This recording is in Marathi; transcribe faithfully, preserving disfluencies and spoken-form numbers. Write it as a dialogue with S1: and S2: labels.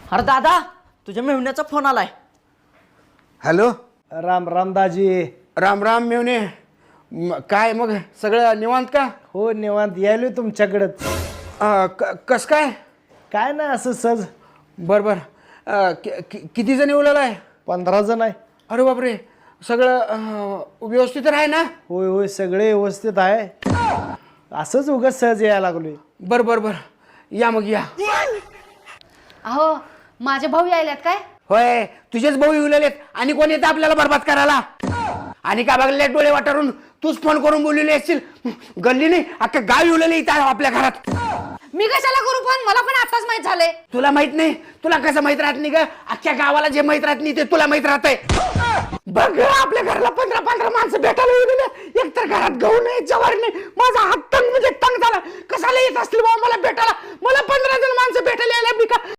S1: अरे दादा तुझ्या मेहुण्याचा फोन आलाय.
S2: हॅलो.
S3: राम राम दाजी.
S2: राम राम मेवणे. म- काय मग सगळं निवांत का?
S3: हो निवांत यायलो तुमच्याकडंच.
S2: अं, क- कस काय?
S3: काय नाही असं सहज.
S2: बर बर. अं, कि- कि- किती जण येऊ आहे?
S3: पंधरा जण आहे.
S2: अरे बापरे. सगळं अं, व्यवस्थित आहे ना?
S3: होय होय सगळे व्यवस्थित आहे. असंच उगाच सहज यायला लागलोय.
S2: बर बर बर. या मग या.
S4: अहो माझे भाऊ यायल्यात काय?
S2: होय तुझेच भाऊ येऊ लागलेत. आणि कोण येतं आपल्याला बरबाद करायला? आणि का बघले डोळे वाटारून तूच फोन करून बोललेली असशील. गल्ली नाही अख्खा गाव येऊ लागले इथं आपल्या घरात.
S4: मी कशाला करू फोन? मला पण आताच माहित झालंय.
S2: तुला माहित नाही? तुला कसं माहित राहत नाही ग? अख्ख्या गावाला जे माहित राहत नाही ते तुला माहित राहतंय. बघ आपल्या घराला पंधरा पंधरा माणसं भेटायला येऊ गेले. एकतर घरात गहू नाही जवार नाही. माझा हात तंग म्हणजे तंग झाला. कशाला येत असतील बाबा मला भेटायला? मला पंधरा जण माणसं भेटायला यायला मी का